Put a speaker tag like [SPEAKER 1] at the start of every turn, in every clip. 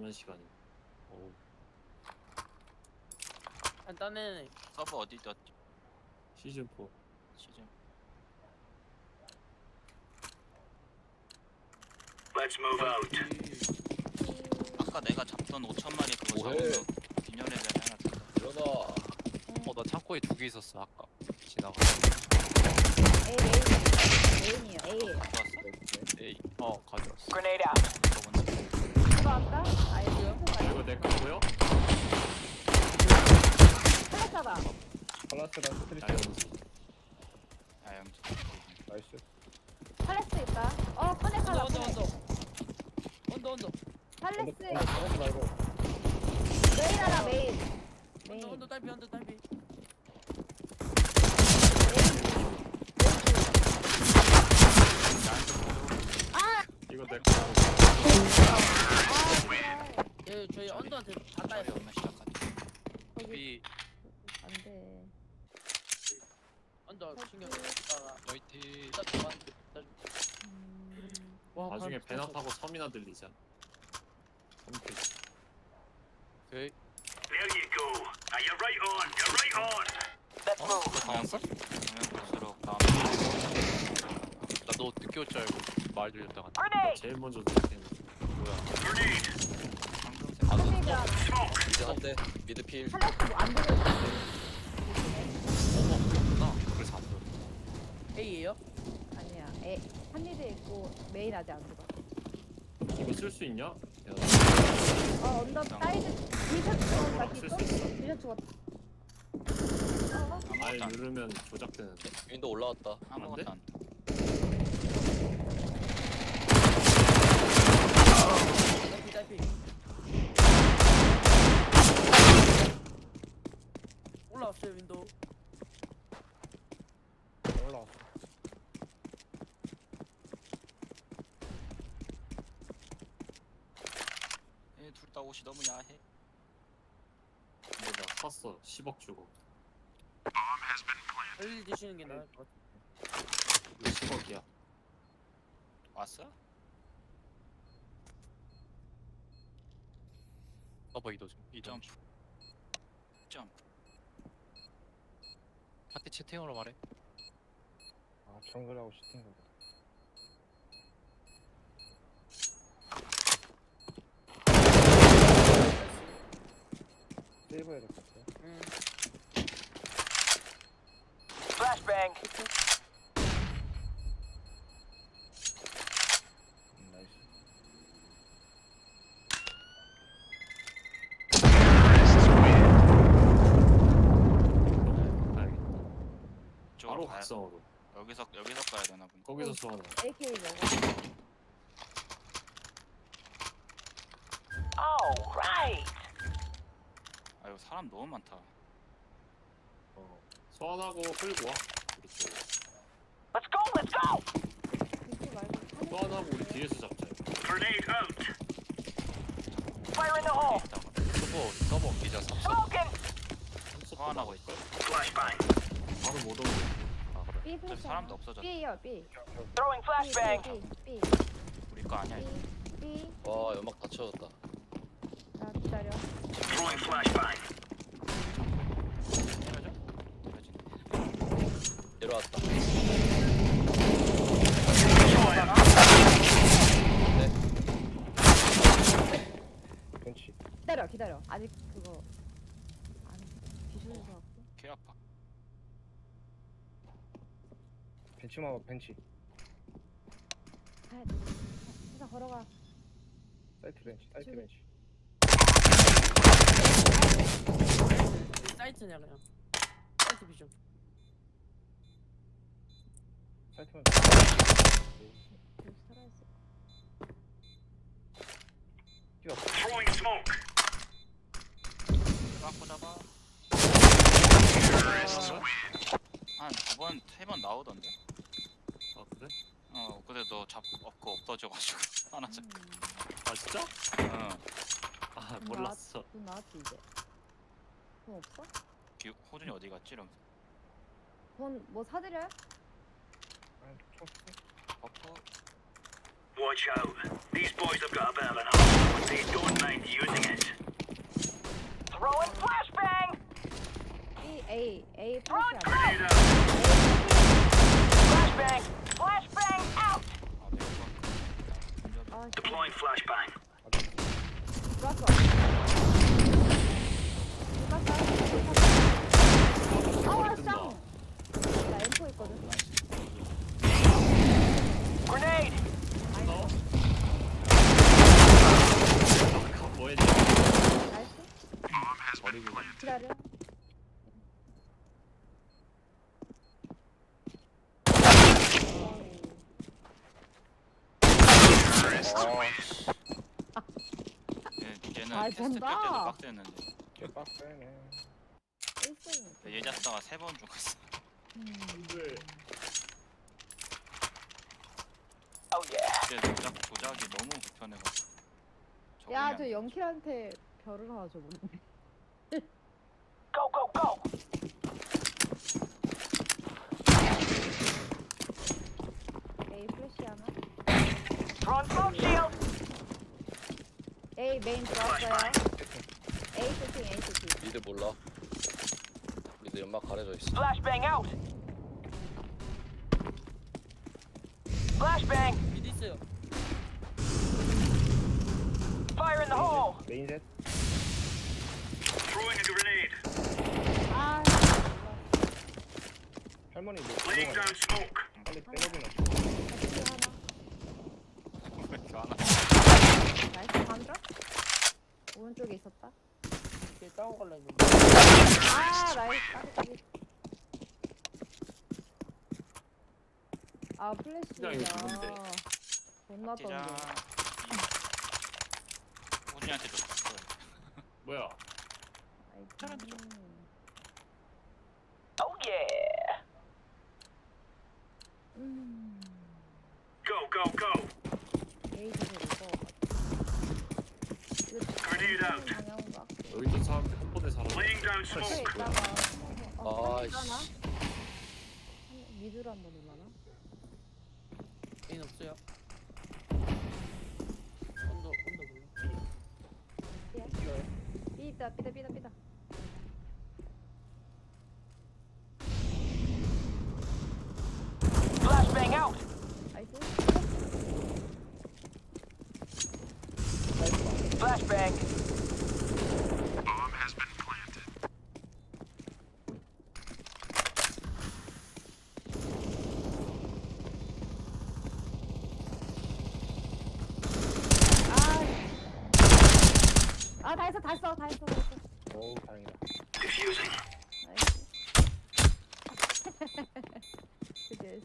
[SPEAKER 1] 남은 시간이. 오.
[SPEAKER 2] 간단해.
[SPEAKER 3] 서버 어디 떴지?
[SPEAKER 1] 시즌 4.
[SPEAKER 3] 시즌.
[SPEAKER 4] Let's move out.
[SPEAKER 3] 아까 내가 잡던 5,000마리 그거
[SPEAKER 5] 뭐해?
[SPEAKER 3] 잡으면 균열의 자리 하나 줬다.
[SPEAKER 5] 일어나.
[SPEAKER 6] 나 창고에 2개 있었어 아까 지나가.
[SPEAKER 7] A이에요. A예요.
[SPEAKER 3] 좋았어?
[SPEAKER 6] 에이 가져왔어.
[SPEAKER 4] Grenade out.
[SPEAKER 3] 저거 먼저.
[SPEAKER 7] 들어왔다. 아이디요.
[SPEAKER 1] 이거 내 거고요?
[SPEAKER 7] 탈락하다.
[SPEAKER 5] 팔라스랑 스트리트.
[SPEAKER 1] 자연스.
[SPEAKER 3] 야영.
[SPEAKER 5] 나이스.
[SPEAKER 7] 팔레스 있다. 커넥하다.
[SPEAKER 2] 언더.
[SPEAKER 7] 팔레스.
[SPEAKER 5] 팔라스 말고.
[SPEAKER 7] 메인 하나 메인. 메인.
[SPEAKER 2] 언더 딸피.
[SPEAKER 1] 이거 내 거.
[SPEAKER 2] 예, 저희 언더한테 다
[SPEAKER 3] 저희
[SPEAKER 2] 따였어.
[SPEAKER 3] 오면 시작하자.
[SPEAKER 7] 거기
[SPEAKER 6] 이
[SPEAKER 7] 안돼.
[SPEAKER 2] 언더 신경 쓰다가
[SPEAKER 6] 화이팅.
[SPEAKER 2] 와,
[SPEAKER 1] 나중에
[SPEAKER 2] 발
[SPEAKER 1] 배나
[SPEAKER 2] 붙었어.
[SPEAKER 1] 타고 섬이나 들리자. 섬
[SPEAKER 6] 오케이.
[SPEAKER 4] There you go. You're right on. You're right on. Let's move.
[SPEAKER 3] 방향 볼수록 다음.
[SPEAKER 6] 나너 늦게 올 줄 알고 말 들렸다가
[SPEAKER 4] Grenade.
[SPEAKER 1] 제일 먼저 들리는.
[SPEAKER 6] 뭐야?
[SPEAKER 4] Grenade.
[SPEAKER 3] 황금색.
[SPEAKER 7] 커넥이야.
[SPEAKER 4] Smoke.
[SPEAKER 5] 미드 한 대. 미드 필.
[SPEAKER 7] 팔레스 뭐안 들려.
[SPEAKER 6] 그렇구나. 그래서 안 들어.
[SPEAKER 2] A예요?
[SPEAKER 7] 아니야. 한리드 있고 메인 아직 안 들어.
[SPEAKER 1] 이거 쓸 수 있냐? 야,
[SPEAKER 7] 언더 사이드 디셔츠 죽었다.
[SPEAKER 1] 쓸 수 있어.
[SPEAKER 7] 디셔츠 죽었다.
[SPEAKER 1] 알
[SPEAKER 3] 아무것도 안.
[SPEAKER 1] 누르면 조작되는데.
[SPEAKER 5] 윈도 올라왔다.
[SPEAKER 3] 아무것도 안.
[SPEAKER 2] 딸피. 올라왔어요 윈도우.
[SPEAKER 5] 올라왔어.
[SPEAKER 3] 둘 다 옷이 너무 야해.
[SPEAKER 1] 근데 나 샀어. 10억 주고.
[SPEAKER 2] 헬리 드시는 게 나을 것 같아.
[SPEAKER 1] 이거 10억이야.
[SPEAKER 3] 왔어?
[SPEAKER 6] 서버 이도 좀. 이점.
[SPEAKER 3] 점프.
[SPEAKER 6] 파티 채팅으로 말해.
[SPEAKER 5] 아 정글하고 슈팅 거. 세이브 해야 될 것 같아.
[SPEAKER 2] 응.
[SPEAKER 4] Flashbang.
[SPEAKER 5] 나이스.
[SPEAKER 1] 알겠다.
[SPEAKER 3] 이쪽으로
[SPEAKER 1] 바로
[SPEAKER 3] 가야.
[SPEAKER 1] 각성으로.
[SPEAKER 3] 여기서 가야 되나 보네.
[SPEAKER 1] 거기서 소환해.
[SPEAKER 7] AK 먹어.
[SPEAKER 4] All right.
[SPEAKER 3] 아 이거 사람 너무 많다.
[SPEAKER 1] 소환하고 끌고 와. 우리 쪽.
[SPEAKER 4] Let's go. Let's go.
[SPEAKER 7] PC 말고
[SPEAKER 1] 소환하고 우리 뒤에서 잡자.
[SPEAKER 4] Grenade out. Fire in the hole.
[SPEAKER 6] 서버 옮기자.
[SPEAKER 4] Smoking.
[SPEAKER 3] 소환하고 있어.
[SPEAKER 4] Flashbang.
[SPEAKER 1] 바로 못 오는.
[SPEAKER 6] 아 그래.
[SPEAKER 7] B
[SPEAKER 3] 저기 사람도 없어졌다.
[SPEAKER 7] B요 B.
[SPEAKER 4] Throwing flashbang.
[SPEAKER 7] B.
[SPEAKER 3] 우리 거 아니야 이거.
[SPEAKER 7] B.
[SPEAKER 5] 와 연막 다 채워졌다.
[SPEAKER 7] 자 기다려.
[SPEAKER 4] Throwing flashbang.
[SPEAKER 3] 때려줘? 때려진대.
[SPEAKER 5] 내려왔다. 벤치.
[SPEAKER 7] 기다려. 아직 그거 안 기술서 갖고.
[SPEAKER 3] 개 아파.
[SPEAKER 5] 벤치만 봐 벤치.
[SPEAKER 7] 가야 돼. 회사 걸어가.
[SPEAKER 5] 사이트 벤치. 사이트
[SPEAKER 7] 저기.
[SPEAKER 5] 벤치.
[SPEAKER 2] 사이트냐 그냥. 사이트 비전.
[SPEAKER 5] 사이트만.
[SPEAKER 7] 여기 살아있어.
[SPEAKER 5] 뛰어.
[SPEAKER 4] Throwing smoke.
[SPEAKER 3] 갖고 잡아. 한 2번, 3번 나오던데?
[SPEAKER 1] 아 그래?
[SPEAKER 3] 근데 너 그거 없어져가지고 하나 잡.
[SPEAKER 1] 아 진짜?
[SPEAKER 3] 응.
[SPEAKER 1] 아 몰랐어.
[SPEAKER 7] 돈 나왔지 이제. 돈 없어?
[SPEAKER 3] 호준이 어디 갔지? 이러면서.
[SPEAKER 7] 돈 뭐 사드려요?
[SPEAKER 5] 아니 총 쓰.
[SPEAKER 3] 버퍼.
[SPEAKER 4] Watch out. These boys have got a bit of an arm, but they don't mind you
[SPEAKER 7] 들어왔어.
[SPEAKER 1] 머리 뜬다.
[SPEAKER 7] 나 M4 있거든.
[SPEAKER 4] Grenade!
[SPEAKER 1] 어? 뭐 했지?
[SPEAKER 7] 나이스.
[SPEAKER 1] 버리고
[SPEAKER 7] 기다려.
[SPEAKER 3] 얘는
[SPEAKER 7] 아,
[SPEAKER 3] 테스트 뺄 때도
[SPEAKER 7] 된다.
[SPEAKER 3] 빡대는데
[SPEAKER 5] 개 빡세네.
[SPEAKER 7] 1승.
[SPEAKER 3] 얘 잡다가 3번 죽었어.
[SPEAKER 4] Oh yeah.
[SPEAKER 3] 이제 조작이 너무 불편해가지고.
[SPEAKER 7] 야,
[SPEAKER 3] 적응이
[SPEAKER 7] 저
[SPEAKER 3] 안 돼.
[SPEAKER 7] 영킬한테 별을 하나 줘보네.
[SPEAKER 4] Go, go, go!
[SPEAKER 7] A 플래시 하나.
[SPEAKER 4] Throwing smoke shield!
[SPEAKER 7] A 메인 들어왔어요. A 세팅, A 세팅.
[SPEAKER 6] 미드 몰라. 미드 연막 가려져 있어.
[SPEAKER 4] Flashbang out! Flashbang!
[SPEAKER 2] 미드 있어요.
[SPEAKER 4] Fire in the hole!
[SPEAKER 5] 메인 셋.
[SPEAKER 4] Throwing a grenade.
[SPEAKER 7] 아,
[SPEAKER 5] 할머니 뭐
[SPEAKER 4] Laying
[SPEAKER 5] 들어가냐?
[SPEAKER 4] down smoke.
[SPEAKER 5] 빨리 백업이나.
[SPEAKER 7] 같이 하나.
[SPEAKER 3] 왜 이렇게 안 와?
[SPEAKER 7] 나이스, 반드라? 오른쪽에 있었다.
[SPEAKER 2] 이렇게 싸워 갈라 했는데.
[SPEAKER 7] 아, 나이스, 까비. 아, 플래시야.
[SPEAKER 1] 이거 누군데?
[SPEAKER 7] 존나
[SPEAKER 3] 뛰자.
[SPEAKER 7] 떴네.
[SPEAKER 3] 우진이한테 줬어.
[SPEAKER 1] 뭐야?
[SPEAKER 4] Oh yeah! Go, go, go!
[SPEAKER 7] 에이드를 이거.
[SPEAKER 4] Grenade out.
[SPEAKER 7] 방향가.
[SPEAKER 1] 여기도 사람 컴포대 사람.
[SPEAKER 4] Laying down
[SPEAKER 7] 앞에
[SPEAKER 4] smoke.
[SPEAKER 7] 있다가.
[SPEAKER 6] 아이씨.
[SPEAKER 7] 하나? 미드로 한번 올라나?
[SPEAKER 2] 개인 없어요. 언더 몰라.
[SPEAKER 7] 삐다.
[SPEAKER 4] Flashbang out!
[SPEAKER 7] 나이스.
[SPEAKER 4] Flashbang!
[SPEAKER 7] 아, 다 했어.
[SPEAKER 5] 어우 다행이다.
[SPEAKER 4] Diffusing.
[SPEAKER 7] 나이스. 그게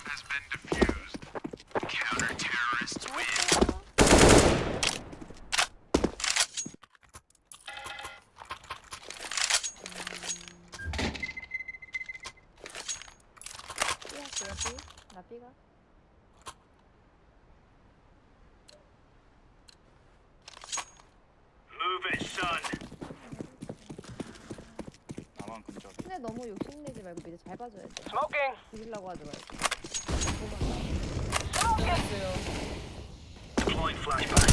[SPEAKER 7] 나 삐가.
[SPEAKER 4] Move it, son.
[SPEAKER 3] 나만 근접.
[SPEAKER 7] 근데 너무 욕심내지 말고 미드 잘 봐줘야 돼.
[SPEAKER 4] Smoking.
[SPEAKER 7] 죽이려고 하지 말고.
[SPEAKER 2] 있어요.
[SPEAKER 4] Deploying flashbang.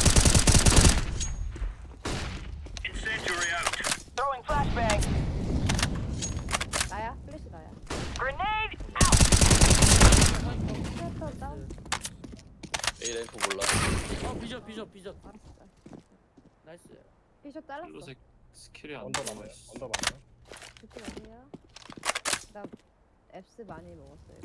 [SPEAKER 4] Incendiary out. Throwing flashbang.
[SPEAKER 7] 나야? 플래시 나야.
[SPEAKER 4] Grenade
[SPEAKER 7] 스트레터 다운.
[SPEAKER 6] A 램프 몰라.
[SPEAKER 2] 비전.
[SPEAKER 7] 알았어.
[SPEAKER 2] 나이스.
[SPEAKER 7] 비숍 잘랐어.
[SPEAKER 1] 블루색 스킬이 안
[SPEAKER 5] 언더
[SPEAKER 1] 나와.
[SPEAKER 5] 많아요. 언더 많아요.
[SPEAKER 7] 좋지 마세요. 나 앱스 많이 먹었어요.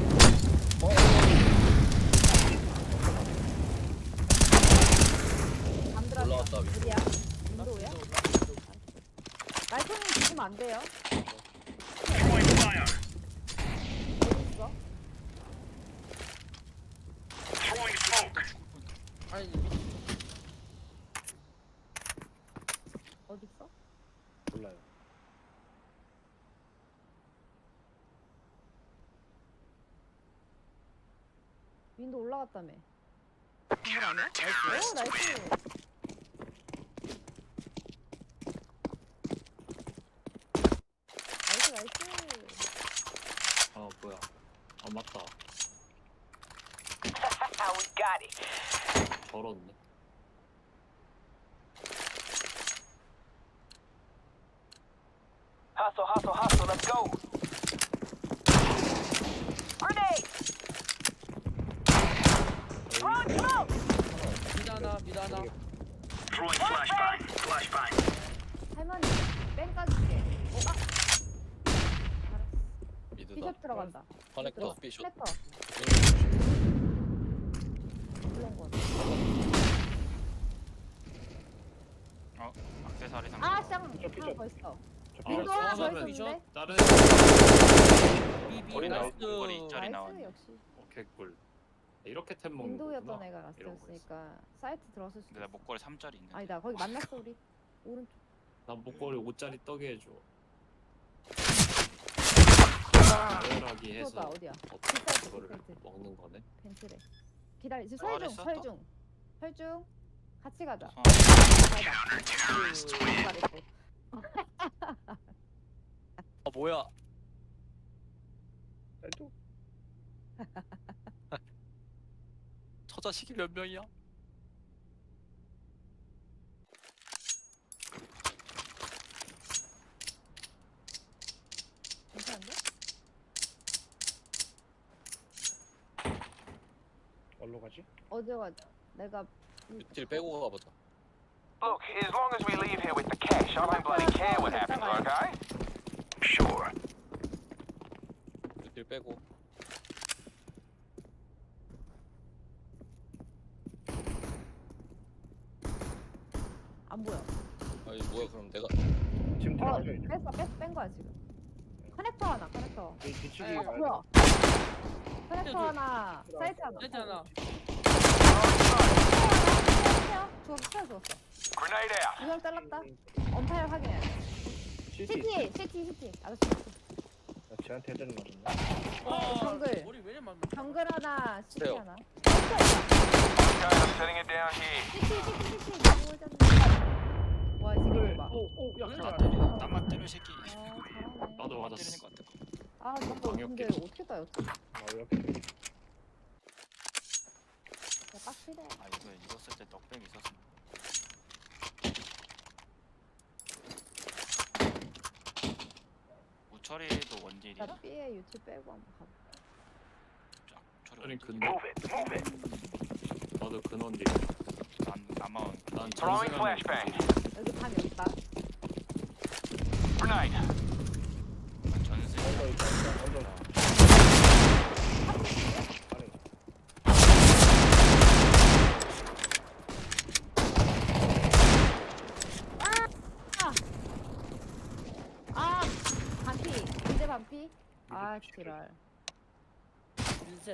[SPEAKER 7] 잠들었어.
[SPEAKER 6] 올라왔다, 위로.
[SPEAKER 7] 어디야? 윈도우야? 말통님 죽으면 안 돼요.
[SPEAKER 4] Throwing fire.
[SPEAKER 7] 어디 있어?
[SPEAKER 4] Throwing smoke.
[SPEAKER 2] 아니 미드.
[SPEAKER 7] 어디 있어?
[SPEAKER 5] 몰라요.
[SPEAKER 7] 윈도우 올라갔다며. 그걸 아니야? 오, 나이스. 나이스.
[SPEAKER 1] 아 뭐야? 아 맞다.
[SPEAKER 4] We got it.
[SPEAKER 1] 저렇네.
[SPEAKER 4] Hustle, let's go. Grenade! Throwing smoke!
[SPEAKER 2] 미드 하나.
[SPEAKER 4] Throwing flashbang. Flashbang.
[SPEAKER 7] 할머니 뺑 까줄게. 알았어.
[SPEAKER 6] 미드다.
[SPEAKER 7] 비숍 들어간다.
[SPEAKER 6] 커넥터 B쇼.
[SPEAKER 7] 커넥터. 물론 거.
[SPEAKER 3] 악세사리 상.
[SPEAKER 7] 아, 쌍.
[SPEAKER 5] 비숍, 비숍.
[SPEAKER 7] 하나 더 있어.
[SPEAKER 5] 저
[SPEAKER 1] 아,
[SPEAKER 7] 윈도 하나 더
[SPEAKER 1] 수업하면
[SPEAKER 7] 있었는데.
[SPEAKER 1] 다른
[SPEAKER 2] B
[SPEAKER 6] 거리 나와.
[SPEAKER 2] 나이스.
[SPEAKER 3] 거리 이짜리
[SPEAKER 7] 나이스
[SPEAKER 3] 나왔네.
[SPEAKER 7] 역시.
[SPEAKER 1] 개꿀. 이렇게 템 먹는
[SPEAKER 7] 윈도우였던
[SPEAKER 1] 거구나.
[SPEAKER 7] 애가
[SPEAKER 1] 이런
[SPEAKER 7] 라스트였으니까 사이트 들어왔을 수도
[SPEAKER 3] 근데 나
[SPEAKER 7] 있어.
[SPEAKER 3] 목걸이 3짜리 있는데.
[SPEAKER 7] 아니다 거기 만났어 우리. 오른쪽.
[SPEAKER 1] 난 목걸이 5짜리 떡에 해줘.
[SPEAKER 7] 와.
[SPEAKER 1] 다이어라기 해서
[SPEAKER 7] 그거다 어디야?
[SPEAKER 1] 어떻게
[SPEAKER 7] 뒷사이트,
[SPEAKER 1] 그거를
[SPEAKER 7] 뒷사이트.
[SPEAKER 1] 먹는 거네.
[SPEAKER 7] 벤츠래. 기다려. 지금
[SPEAKER 3] 잘했어,
[SPEAKER 7] 설중
[SPEAKER 3] 또.
[SPEAKER 7] 설중. 설중. 같이 가자.
[SPEAKER 3] 어,
[SPEAKER 7] 잘했어.
[SPEAKER 6] 아 뭐야?
[SPEAKER 5] 쌀도
[SPEAKER 6] 저 자식이 몇 명이야?
[SPEAKER 7] 괜찮은데?
[SPEAKER 5] 어디로 가지?
[SPEAKER 7] 어디 가자. 내가
[SPEAKER 6] 딜 빼고 가보자.
[SPEAKER 8] Look, as long as we leave here with the cash, I don't bloody care what happens, okay?
[SPEAKER 4] Sure.
[SPEAKER 6] 딜 빼고.
[SPEAKER 7] 안 보여.
[SPEAKER 6] 아니 뭐야 그럼 내가
[SPEAKER 5] 지금 들어가죠 이제.
[SPEAKER 7] 뺀 거야 지금. 커넥터 하나, 커넥터.
[SPEAKER 5] 이 뒤치기
[SPEAKER 2] 아,
[SPEAKER 5] 가야
[SPEAKER 7] 뭐야?
[SPEAKER 5] 돼.
[SPEAKER 7] 커넥터 하나, 사이트 하나.
[SPEAKER 2] 사이트 하나.
[SPEAKER 7] 주웠어, 주웠어.
[SPEAKER 8] Grenade out.
[SPEAKER 7] 두명 잘랐다. 언파일 확인해.
[SPEAKER 5] CT.
[SPEAKER 7] CT. 아저씨.
[SPEAKER 5] 나 쟤한테 해야 되는 말이네.
[SPEAKER 7] 정글.
[SPEAKER 2] 머리 왜 이래 만
[SPEAKER 7] 정글 하나, CT
[SPEAKER 6] 세요.
[SPEAKER 7] 하나.
[SPEAKER 8] Okay, I'm setting it down here.
[SPEAKER 7] CT. 너무 오졌네. 와, 이 새끼 봐.
[SPEAKER 3] 나 때리는 나만 때려 새끼.
[SPEAKER 7] 아, 잘하네.
[SPEAKER 1] 나도
[SPEAKER 3] 때리는
[SPEAKER 1] 맞았어.
[SPEAKER 3] 것 같아.
[SPEAKER 7] 아, 저거 근데
[SPEAKER 1] 방역기.
[SPEAKER 7] 어떻게 따였어? 야,
[SPEAKER 5] 이렇게
[SPEAKER 7] 빡치네.
[SPEAKER 3] 아 이거 쓸 때 떡백이 있었어. 우철이도 원딜이야.
[SPEAKER 7] 나 B에 유튜브 빼고 한번 가봐.
[SPEAKER 3] 철이
[SPEAKER 1] 아니
[SPEAKER 3] 원딜이야.
[SPEAKER 1] 근데
[SPEAKER 4] Move it. Move it.
[SPEAKER 1] 나도 근원딜.
[SPEAKER 3] 아마
[SPEAKER 1] 난
[SPEAKER 8] Throwing
[SPEAKER 1] 전생하면
[SPEAKER 8] flashbang.
[SPEAKER 7] 여기 밤이 없다.
[SPEAKER 8] Grenade.
[SPEAKER 3] 전세.
[SPEAKER 5] 언더 있다. 언더. 아니.
[SPEAKER 7] 아, 반피. 이제 반피. 아, 지랄.
[SPEAKER 2] 인셋.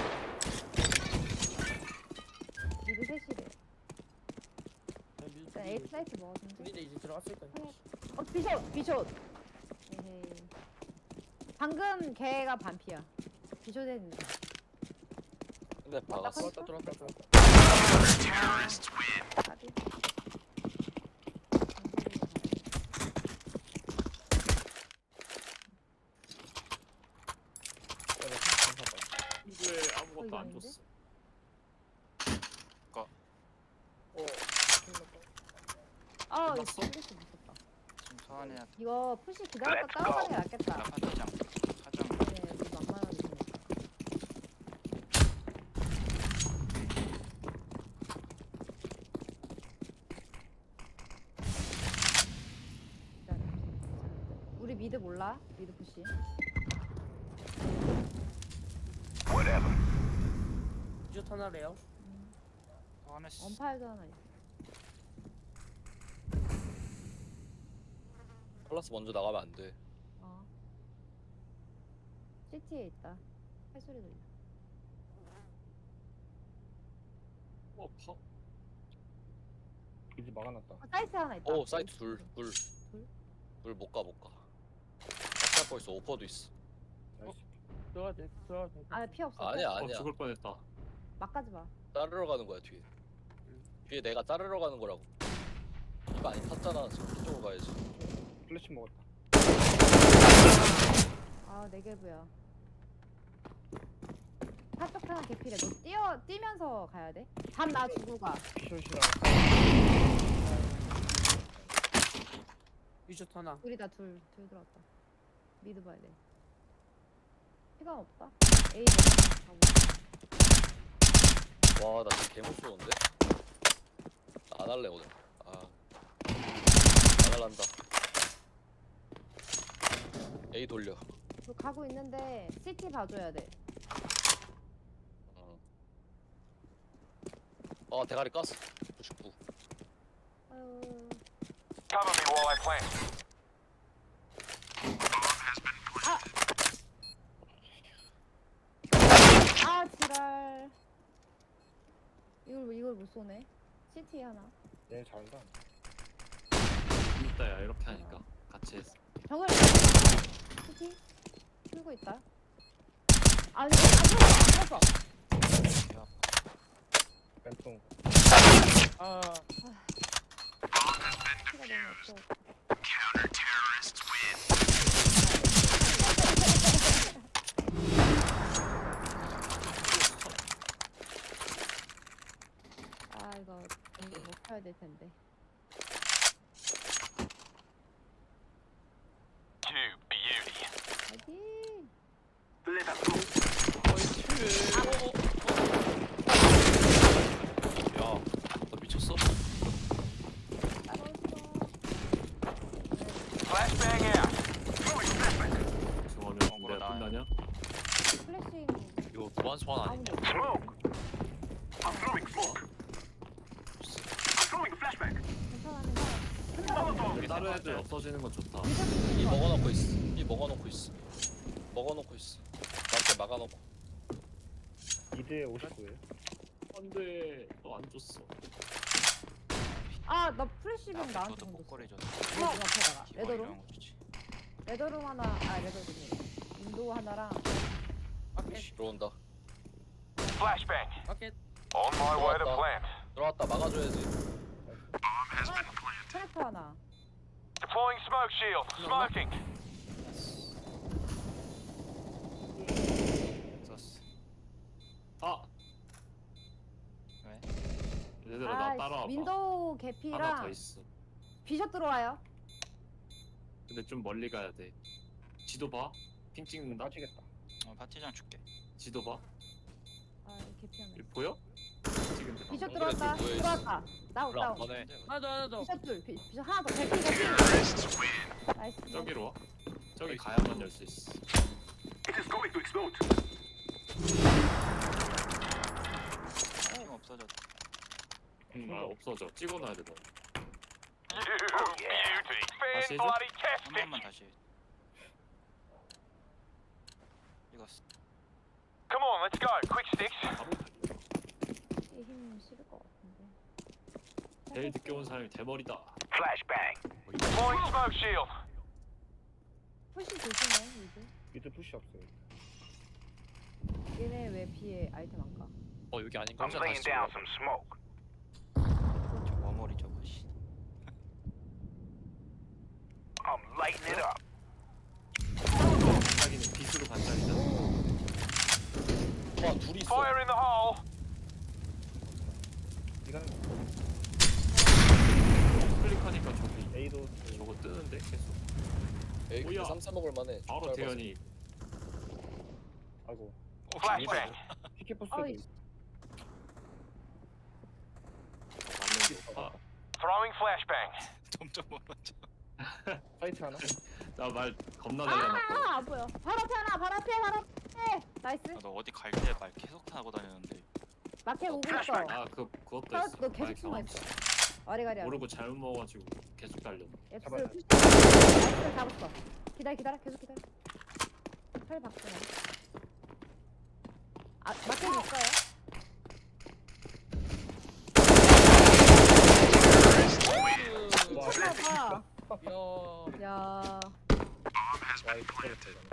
[SPEAKER 7] 미드 셋이래. 일단 에이스 사이트 먹었는데.
[SPEAKER 2] 우리도 이제 들어갔을 거야.
[SPEAKER 7] 비숍. 에헤이. 방금 걔가 반피야. 비숍 했는데.
[SPEAKER 6] 근데 박았어.
[SPEAKER 2] 들어왔다.
[SPEAKER 7] 가비.
[SPEAKER 1] 친구에 아무것도 안
[SPEAKER 7] 있는데?
[SPEAKER 1] 줬어.
[SPEAKER 7] 아, 이거
[SPEAKER 1] 끝났어?
[SPEAKER 7] 플래시 무섭다.
[SPEAKER 3] 지금 소환해야 돼.
[SPEAKER 7] 이거 푸시 기다렸다
[SPEAKER 4] Let's
[SPEAKER 7] 다운하는 게 낫겠다.
[SPEAKER 3] 나 파트장. 사장.
[SPEAKER 7] 네, 여기 만만하게 되니까. 우리 미드 몰라? 미드 푸시.
[SPEAKER 4] Whatever.
[SPEAKER 2] 이제 하나래요.
[SPEAKER 3] 소환했어.
[SPEAKER 7] 언파일도 하나 있어.
[SPEAKER 6] 플러스 먼저 나가면 안 돼.
[SPEAKER 7] 어. CT에 있다. 팔소리 들려.
[SPEAKER 1] 아파.
[SPEAKER 5] 이제 막아놨다.
[SPEAKER 7] 사이트 하나 있다.
[SPEAKER 6] 오 사이트 둘. 못 가. 아까 있어. 오퍼도 있어.
[SPEAKER 5] 나이스.
[SPEAKER 2] 들어가야 돼.
[SPEAKER 7] 아, 피 없어.
[SPEAKER 6] 아니야.
[SPEAKER 1] 죽을 뻔했다.
[SPEAKER 7] 막 가지 마.
[SPEAKER 6] 따르러 가는 거야 뒤에. 뒤에 내가 따르러 가는 거라고. 이거 많이 탔잖아. 지금 이쪽으로 가야지.
[SPEAKER 5] 플래시 먹었다.
[SPEAKER 7] 아, 네개부야. 사쪽 하나 개필해. 너 뛰면서 가야 돼. 잠 나 주고 가.
[SPEAKER 5] 피숏이랑
[SPEAKER 2] 이제 하나.
[SPEAKER 7] 둘이 다 둘 들어왔다. 미드 봐야 돼. 시간 없다. A 가고.
[SPEAKER 6] 와 나 진짜 개못 쏘는데? 나 안 할래 오늘. 날란다. A 돌려.
[SPEAKER 7] 저 가고 있는데 CT 봐줘야 돼.
[SPEAKER 6] 대가리 깠어. 99.
[SPEAKER 7] 아유.
[SPEAKER 8] Cover me while I plant.
[SPEAKER 7] 아 지랄. 이걸 못 쏘네. CT 하나.
[SPEAKER 5] 얘 잘한다.
[SPEAKER 1] 이따야 이렇게 하니까 같이 했어.
[SPEAKER 7] 정글. CT 풀고 있다. 아니 안 풀었어.
[SPEAKER 5] 왼통.
[SPEAKER 2] 아
[SPEAKER 7] 피가 너무 없어. 아 이거 못 펴야 될 텐데.
[SPEAKER 8] You beauty.
[SPEAKER 7] 화이팅.
[SPEAKER 4] Let us go.
[SPEAKER 6] 야, 너 미쳤어?
[SPEAKER 7] 따라오지
[SPEAKER 8] Flashbang out.
[SPEAKER 4] Throwing flashback.
[SPEAKER 1] 중원은
[SPEAKER 3] 어그로
[SPEAKER 1] 내가
[SPEAKER 3] 나와요.
[SPEAKER 1] 끝나냐?
[SPEAKER 7] 플래싱.
[SPEAKER 6] 이거 무한 소환 아니냐?
[SPEAKER 7] 아무도
[SPEAKER 4] Smoke. I'm throwing smoke. I'm throwing flashback.
[SPEAKER 7] 괜찮아.
[SPEAKER 1] 다른 애들 없어지는 건 좋다.
[SPEAKER 6] 이 먹어놓고 있어. 이 먹어놓고 있어. 먹어놓고 있어. 나한테 막아놓고.
[SPEAKER 5] 2대 59에요.
[SPEAKER 1] 안돼, 너 안 줬어.
[SPEAKER 7] 아나 플래시뱅 나한테
[SPEAKER 3] 저도
[SPEAKER 7] 던졌어.
[SPEAKER 3] 목걸이 줬어.
[SPEAKER 7] 어 앞에다가
[SPEAKER 3] 기본
[SPEAKER 7] 레더룸.
[SPEAKER 3] 이런 거 주지.
[SPEAKER 7] 레더룸 하나. 아 레더룸이. 인도 하나랑.
[SPEAKER 2] 마켓
[SPEAKER 6] 들어온다.
[SPEAKER 8] Flashbang.
[SPEAKER 2] 마켓.
[SPEAKER 8] On my way to
[SPEAKER 6] What the-
[SPEAKER 8] plant.
[SPEAKER 6] 들어왔다. 막아줘야지.
[SPEAKER 7] 트랙터 하나.
[SPEAKER 8] Deploying smoke shield. Smoking.
[SPEAKER 3] 썼어.
[SPEAKER 1] 아,
[SPEAKER 3] 왜?
[SPEAKER 1] 얘들아 나 따라와봐.
[SPEAKER 7] 윈도우
[SPEAKER 1] 하나 더
[SPEAKER 7] 개피랑
[SPEAKER 1] 있어.
[SPEAKER 7] 비숍 들어와요.
[SPEAKER 1] 근데 좀 멀리 가야 돼. 지도 봐. 핑 찍는다.
[SPEAKER 5] 빠지겠다.
[SPEAKER 3] 파티장 줄게.
[SPEAKER 1] 지도 봐.
[SPEAKER 7] 아 개피 하나.
[SPEAKER 1] 여기 보여? 찍은데.
[SPEAKER 7] 비숍
[SPEAKER 6] 정글에
[SPEAKER 7] 들어왔다.
[SPEAKER 6] 둘 모여있어.
[SPEAKER 7] 들어왔다. 다운
[SPEAKER 6] 그럼
[SPEAKER 7] 다운.
[SPEAKER 6] 너네
[SPEAKER 2] 하나 더
[SPEAKER 7] 비숍 둘. 비숍 하나 더. 개피 개피. 나이스.
[SPEAKER 1] 저기로 와. 저기 가야만 열 수 있어.
[SPEAKER 4] It is going to explode.
[SPEAKER 3] 팀 없어졌다.
[SPEAKER 1] 아 없어져. 찍어놔야 돼 너.
[SPEAKER 8] You beauty. Fan
[SPEAKER 1] Season?
[SPEAKER 8] bloody
[SPEAKER 3] 한
[SPEAKER 8] tastic.
[SPEAKER 3] 번만 다시. 찍었어.
[SPEAKER 8] Come on, let's go. Quick sticks.
[SPEAKER 1] 바로 달려.
[SPEAKER 7] 이힘 싫을 것 같은데.
[SPEAKER 1] 제일 늦게 온 사람이 대머리다.
[SPEAKER 4] Flashbang.
[SPEAKER 8] Deploying smoke shield.
[SPEAKER 7] 훨씬 조심해 이제.
[SPEAKER 5] 미드 푸시 없어요.
[SPEAKER 7] 얘네 왜 B에 아이템 안 가?
[SPEAKER 6] 여기 아닌
[SPEAKER 4] I'm
[SPEAKER 6] 거잖아.
[SPEAKER 4] laying down some smoke.
[SPEAKER 3] 저 머머리 저거 씨.
[SPEAKER 4] I'm lighting it up.
[SPEAKER 1] 반짝이는 빛으로 반짝이잖아.
[SPEAKER 6] 와 둘이 있어.
[SPEAKER 8] Fire in the hole.
[SPEAKER 5] 이거는
[SPEAKER 1] 클릭하니까 저기
[SPEAKER 5] A도
[SPEAKER 1] 저거 뜨는데 계속.
[SPEAKER 6] 에이 근데
[SPEAKER 1] 뭐야?
[SPEAKER 6] 3사 먹을 만해.
[SPEAKER 1] 바로 대현이
[SPEAKER 5] 아이고.
[SPEAKER 8] Flashbang.
[SPEAKER 5] 피켓포스도
[SPEAKER 7] 어이.
[SPEAKER 1] 맞는 거 봐.
[SPEAKER 8] Throwing flashbang.
[SPEAKER 3] 점점 멀어져.
[SPEAKER 5] 사이트 하나.
[SPEAKER 1] 나말 겁나 잘 해놨거든.
[SPEAKER 7] 안 보여. 바로 앞에 하나. 바로 앞에 바로 앞에. 나이스.
[SPEAKER 3] 너 어디 갈 때 말 계속 타고 다니는데.
[SPEAKER 7] 마켓 오고 있어.
[SPEAKER 1] 아 그것도
[SPEAKER 7] 아,
[SPEAKER 1] 있어.
[SPEAKER 7] 너 계속
[SPEAKER 1] 마이크
[SPEAKER 7] 숨어
[SPEAKER 1] 없이.
[SPEAKER 7] 있어. 와리가리.
[SPEAKER 1] 모르고 잘못 먹어가지고 계속 달렸네.
[SPEAKER 7] 앱스 푸시. 나이스 잡았어. 기다려. 계속 기다려. 팔 바꾸네. 아 마켓 있어요?
[SPEAKER 5] 와,
[SPEAKER 7] 봐.
[SPEAKER 2] 야
[SPEAKER 7] 야.
[SPEAKER 5] 와이 기다렸다 이거는.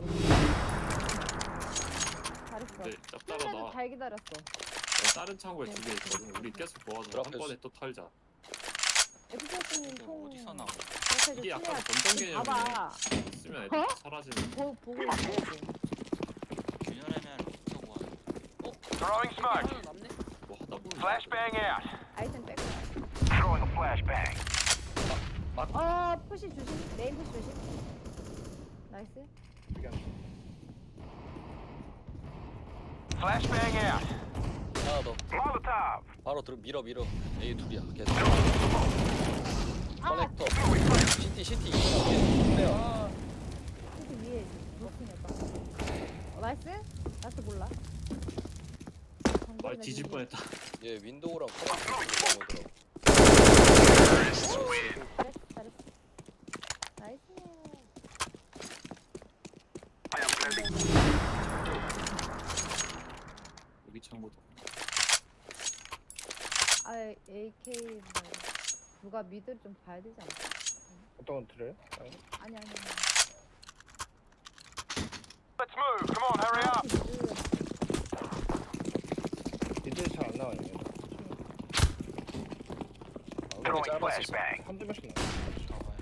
[SPEAKER 7] 잘했어.
[SPEAKER 1] 근데 짭짤하다.
[SPEAKER 7] 처음에도 잘 기다렸어.
[SPEAKER 1] 다른 창고에 두 개 있거든. 우리 계속 모아서 한
[SPEAKER 6] 드랍했어.
[SPEAKER 1] 번에 또 털자.
[SPEAKER 7] FPS님
[SPEAKER 3] 이거
[SPEAKER 7] 통.
[SPEAKER 3] 어디서 나와?
[SPEAKER 7] 그렇게
[SPEAKER 1] 이게 약간
[SPEAKER 7] 치면
[SPEAKER 1] 본전 개념이네.
[SPEAKER 7] 봐봐.
[SPEAKER 1] 쓰면 애들
[SPEAKER 7] 어?
[SPEAKER 1] 사라지는.
[SPEAKER 7] 보고 있어 지금.
[SPEAKER 3] 균열애면 어떻게 뭐 하는
[SPEAKER 8] Throwing smoke.
[SPEAKER 2] 하나 남네.
[SPEAKER 1] 뭐 하다 보면.
[SPEAKER 8] Flashbang out.
[SPEAKER 7] 아이템 빼고.
[SPEAKER 4] Throwing a flashbang.
[SPEAKER 7] 푸시 조심. 메인 푸시 조심. 나이스.
[SPEAKER 5] 여기 하나.
[SPEAKER 8] Flashbang out.
[SPEAKER 6] 하나 더.
[SPEAKER 4] Molotov.
[SPEAKER 6] 바로 밀어. A 둘이야. 계속.
[SPEAKER 7] 아,
[SPEAKER 6] 커넥터.
[SPEAKER 4] Throwing flashbang.
[SPEAKER 6] 시티 이거야.
[SPEAKER 2] 아,
[SPEAKER 7] 시티 위에 노팅했다. 나이스? 나이스 몰라.
[SPEAKER 1] 말 뒤질 뻔했다.
[SPEAKER 6] 얘 윈도우랑 커넥터 오더라고.
[SPEAKER 7] 잘했어, 잘했어. 나이스.
[SPEAKER 4] I am planting.
[SPEAKER 1] 여기 창고도.
[SPEAKER 7] 아, AK 누가 미드를 좀 봐야 되지 않나?
[SPEAKER 5] 어떤 건 들어요?
[SPEAKER 7] 아니 아니.
[SPEAKER 8] Let's move. Come on, hurry up.
[SPEAKER 5] 니들 잘안 나와요.
[SPEAKER 8] Throwing
[SPEAKER 6] 짧았어.
[SPEAKER 8] flashbang.
[SPEAKER 5] 한두 명씩 나와.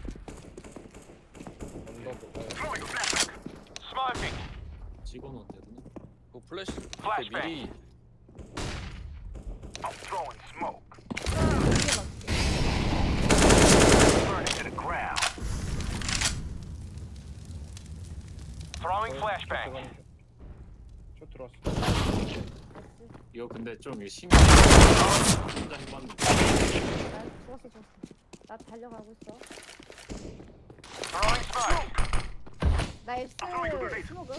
[SPEAKER 5] 언더도.
[SPEAKER 4] Throwing a flashbang.
[SPEAKER 8] Smoking.
[SPEAKER 1] 찍어놓은 데구나.
[SPEAKER 6] 그 플래시 이렇게
[SPEAKER 8] Flashbang.
[SPEAKER 6] 미리
[SPEAKER 4] I'm throwing smoke. Burn it to the ground.
[SPEAKER 8] Throwing flashbang.
[SPEAKER 5] 저 들어왔어.
[SPEAKER 1] 이거 근데 좀 신기해. 혼자 해봤는데.
[SPEAKER 7] 나 죽었어 죽었어. 나 달려가고 있어.
[SPEAKER 8] Throwing smoke.
[SPEAKER 7] 나이스 스모그.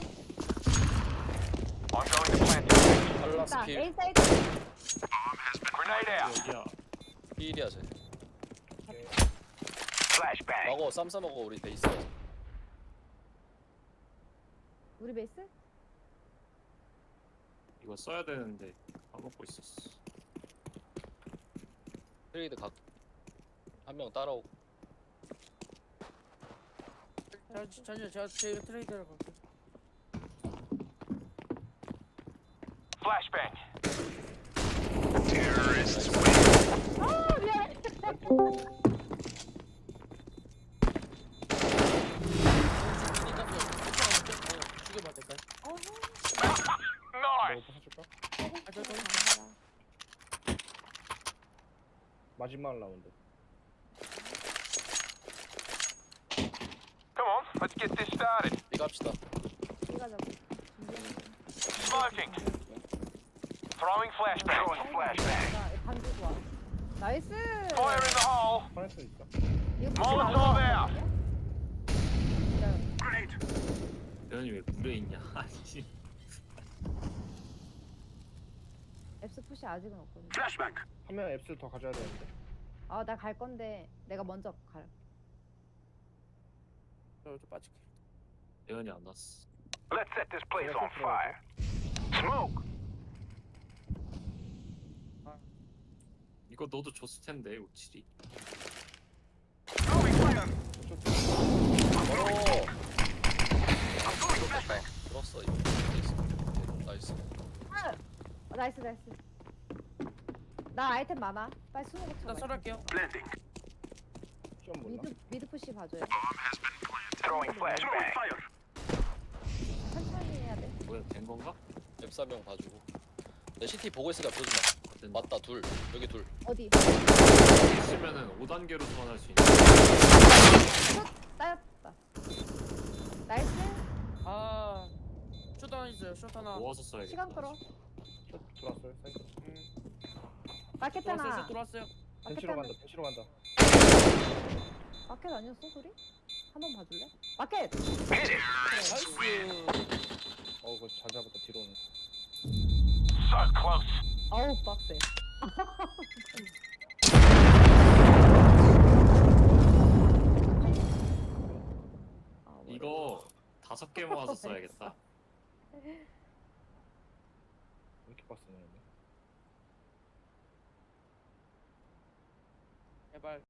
[SPEAKER 8] I'm going to plant.
[SPEAKER 6] 팔라스
[SPEAKER 7] 나
[SPEAKER 6] 필
[SPEAKER 7] A 사이드.
[SPEAKER 8] Grenade out.
[SPEAKER 1] 여기야.
[SPEAKER 6] 필이야 쟤.
[SPEAKER 4] Flashbang.
[SPEAKER 6] 먹어 쌈 싸먹어 우리 베이스.
[SPEAKER 7] 우리 베이스?
[SPEAKER 1] 이거 써야 되는데 까먹고 있었어.
[SPEAKER 6] 트레이드 각. 한 명 따라오고.
[SPEAKER 2] 제가 트레이드를 갈게.
[SPEAKER 8] Flashbang.
[SPEAKER 4] Terrorists win.
[SPEAKER 7] 아 미안해.
[SPEAKER 2] 죽여봐 될까요?
[SPEAKER 8] Nice.
[SPEAKER 5] 너 부숴줄까? 마지막 라운드.
[SPEAKER 8] Come on, let's get this started.
[SPEAKER 6] 이 갑시다.
[SPEAKER 7] 이거 잡고.
[SPEAKER 8] Smoking. Throwing flashbang.
[SPEAKER 4] Throwing flashbang.
[SPEAKER 7] 반 주고 와. 나이스.
[SPEAKER 8] Fire in the hole.
[SPEAKER 5] 파란색 있어.
[SPEAKER 7] 이거
[SPEAKER 8] Molotov out.
[SPEAKER 4] Grenade.
[SPEAKER 1] 대현이 왜 물에 있냐? 아니.
[SPEAKER 7] 앱스 푸시 아직은 없거든.
[SPEAKER 4] Flashbang.
[SPEAKER 5] 한 명 앱스를 더 가져야 되는데.
[SPEAKER 7] 아 나 갈 건데 내가 먼저 갈.
[SPEAKER 2] 저 빠질게.
[SPEAKER 1] 대현이 안 왔어.
[SPEAKER 4] Let's set this place on fire. Smoke.
[SPEAKER 1] 이거 너도 줬을 텐데 우칠이.
[SPEAKER 4] Throwing fire.
[SPEAKER 6] 어.
[SPEAKER 4] I'm throwing flashbang.
[SPEAKER 6] 들었어 이거. 베이스. 오케이, 나이스.
[SPEAKER 7] 나이스 나이스. 나 아이템 많아. 빨리 스모그
[SPEAKER 2] 일단
[SPEAKER 7] 쳐봐.
[SPEAKER 2] 설할게요.
[SPEAKER 4] Blending.
[SPEAKER 5] 좀 몰라.
[SPEAKER 7] 미드 푸시 봐줘요.
[SPEAKER 4] Throwing flashbang. Fire.
[SPEAKER 7] 천천히 해야 돼.
[SPEAKER 1] 뭐야 된 건가?
[SPEAKER 6] 앱사명 봐주고. 내 CT 보고 있으니까 보지 마.
[SPEAKER 1] 된다.
[SPEAKER 6] 맞다 둘. 여기 둘.
[SPEAKER 7] 어디?
[SPEAKER 1] 있으면은 5단계로 소환할 수 있는.
[SPEAKER 7] 슛 따였다. 나이스.
[SPEAKER 2] 아, 숏 하나 있어요. 숏 하나.
[SPEAKER 1] 모아서 써야겠다.
[SPEAKER 7] 시간 끌어.
[SPEAKER 5] 저 들어왔어요. 사이드.
[SPEAKER 7] 마켓
[SPEAKER 2] 들어왔어요.
[SPEAKER 7] 하나.
[SPEAKER 2] 숏 들어왔어요.
[SPEAKER 7] 마켓
[SPEAKER 5] 벤치로
[SPEAKER 7] 하나.
[SPEAKER 5] 간다. 벤치로 간다.
[SPEAKER 7] 마켓 아니었어 소리? 한번 봐줄래? 마켓.
[SPEAKER 4] Hit it.
[SPEAKER 2] 나이스.
[SPEAKER 5] 그거 잘 잡았다. 뒤로 오는.
[SPEAKER 8] So close.
[SPEAKER 7] 어우 빡세. 아,
[SPEAKER 1] 이거 5개 모아서 써야겠다.
[SPEAKER 5] 왜 이렇게 빡세네.
[SPEAKER 2] 제발.